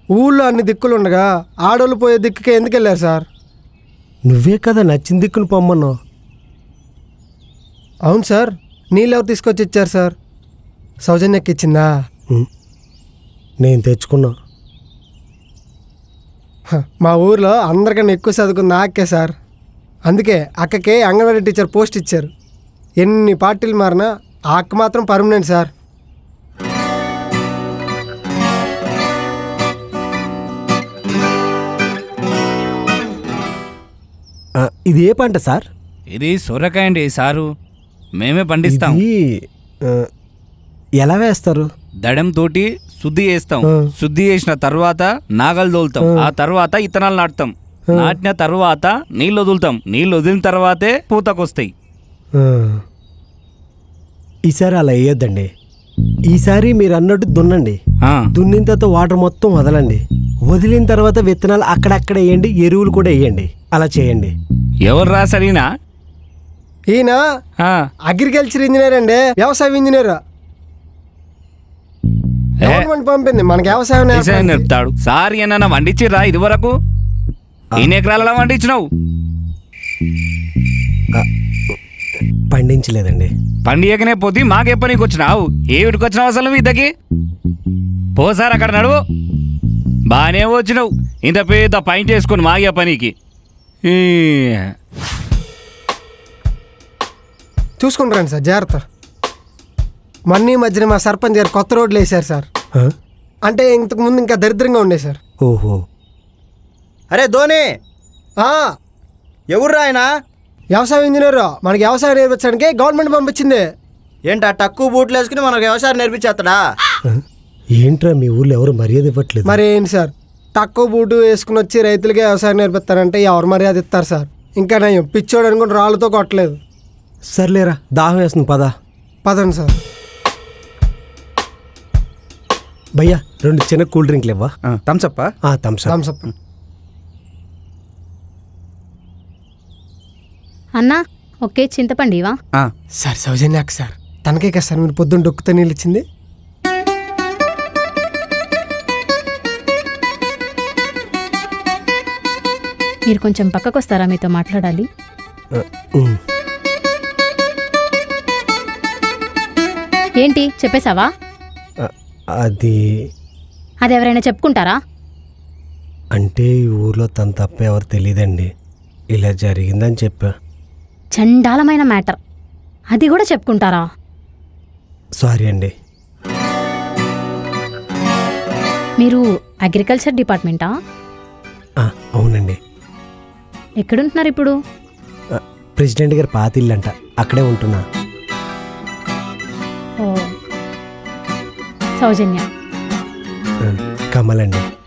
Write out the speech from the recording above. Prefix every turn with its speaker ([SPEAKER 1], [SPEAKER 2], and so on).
[SPEAKER 1] ఊళ్ళో అన్ని దిక్కులు ఉండగా ఆడోళ్ళు పోయే దిక్కుకే ఎందుకు వెళ్ళారు సార్?
[SPEAKER 2] నువ్వే కదా నచ్చిన దిక్కును పొమ్మన్నావు.
[SPEAKER 1] అవును సార్, నీళ్ళు ఎవరు తీసుకొచ్చి ఇచ్చారు సార్? సౌజన్యకి ఇచ్చిందా?
[SPEAKER 2] నేను తెచ్చుకున్నా.
[SPEAKER 1] మా ఊర్లో అందరికన్నా ఎక్కువ చదువుకుంది అక్కే సార్. అందుకే అక్కకే అంగన్వాడీ టీచర్ పోస్ట్ ఇచ్చారు. ఎన్ని పార్టీలు మారినా ఆ అక్క మాత్రం పర్మనెంట్ సార్.
[SPEAKER 2] ఇది ఏ పంట సార్?
[SPEAKER 3] ఇది సొరకాయ అండి సారు, మేమే పండిస్తాం.
[SPEAKER 2] ఎలా వేస్తారు?
[SPEAKER 3] దడం తోటి శుద్ధి చేస్తాం. శుద్ధి చేసిన తర్వాత నాగలు తోలుతాం. ఆ తర్వాత ఇత్తనాలు నాటుతాం. నాటిన తర్వాత నీళ్ళు వదులుతాం. నీళ్ళు వదిలిన తర్వాతే పూతకొస్తాయి.
[SPEAKER 2] ఈసారి అలా వేయొద్దండి. ఈసారి మీరు అన్నట్టు దున్నండి. దున్నిన తర్వాత వాటర్ మొత్తం వదలండి. వదిలిన తర్వాత విత్తనాలు అక్కడక్కడ వేయండి, ఎరువులు కూడా వేయండి. అలా చేయండి.
[SPEAKER 3] ఎవరు రాసరినా?
[SPEAKER 1] ఈయన అగ్రికల్చర్ ఇంజనీర్ అండి, వ్యవసాయ ఇంజనీర్. గవర్నమెంట్ పంపింది మనకి వ్యవసాయం
[SPEAKER 3] చెప్తాడు. సార్ ఏమన్నా వండించిరా ఇది వరకు? ఎన్ని ఎకరాలలో వండించినావు?
[SPEAKER 2] పండించలేదండి.
[SPEAKER 3] పండియకనే పోతే మాకే పనికి వచ్చినావు. ఏమిటికి వచ్చినావు అసలు మీ ఇద్దరికి? పోసారు అక్కడ నడువు. బాగానే వచ్చినావు ఇంత పెద్ద పైంట్ వేసుకొని మాగే పనికి.
[SPEAKER 1] చూసుకుంటారండి సార్, జాగ్రత్త. మన్నీ మధ్యన మా సర్పంచ్ గారు కొత్త రోడ్లు వేశారు సార్. అంటే ఇంతకు ముందు ఇంకా దరిద్రంగా ఉండే సార్.
[SPEAKER 2] ఓహో.
[SPEAKER 4] అరే ధోని, ఎవరు ఆయన?
[SPEAKER 1] వ్యవసాయ ఇంజనీర్. మనకి వ్యవసాయం నేర్పించడానికి గవర్నమెంట్ పంపించింది.
[SPEAKER 4] ఏంటా తక్కువ బూట్లు వేసుకుని మనకు వ్యవసాయం నేర్పించేస్తాడా?
[SPEAKER 2] ఏంట్రా మీ ఊర్లో ఎవరు మర్యాద ఇవ్వట్లేదు?
[SPEAKER 1] మరి ఏంటి సార్, తక్కువ బూటు వేసుకుని వచ్చి రైతులకే వ్యవసాయం నేర్పిస్తారంటే ఎవరు మర్యాద ఇస్తారు సార్? ఇంకా నేను పిచ్చోడు అనుకుని రాళ్ళతో కొట్టలేదు.
[SPEAKER 2] సర్లేరా, దాహం వేస్తుంది,
[SPEAKER 1] పదండి సార్.
[SPEAKER 2] భయ్యా 2 చిన్న కూల్ డ్రింక్లు ఇవ్వా?
[SPEAKER 4] థమ్సప్.
[SPEAKER 1] థమ్సప్.
[SPEAKER 5] అన్నా ఓకే, చింతపండు ఇవా?
[SPEAKER 1] సార్ సౌజన్య అక్క సార్, తనకే కదా సార్ మీరు పొద్దున్న డొక్కుతో నీళ్ళు ఇచ్చింది.
[SPEAKER 5] మీరు కొంచెం పక్కకు వస్తారా? మీతో మాట్లాడాలి. ఏంటి చెప్పేశావా?
[SPEAKER 2] అది
[SPEAKER 5] ఎవరైనా చెప్పుకుంటారా?
[SPEAKER 2] అంటే ఈ ఊర్లో తన తప్ప ఎవరు తెలియదండి. ఇలా జరిగిందని చెప్పా.
[SPEAKER 5] చండాలమైన మ్యాటర్, అది కూడా చెప్పుకుంటారా?
[SPEAKER 2] సారీ అండి.
[SPEAKER 5] మీరు అగ్రికల్చర్ డిపార్ట్మెంటా?
[SPEAKER 2] అవునండి.
[SPEAKER 5] ఎక్కడుంటున్నారు ఇప్పుడు?
[SPEAKER 2] ప్రెసిడెంట్ గారి పాత ఇల్లంట, అక్కడే ఉంటున్నా.
[SPEAKER 5] ఓ, సౌజన్య.
[SPEAKER 2] కమలండి.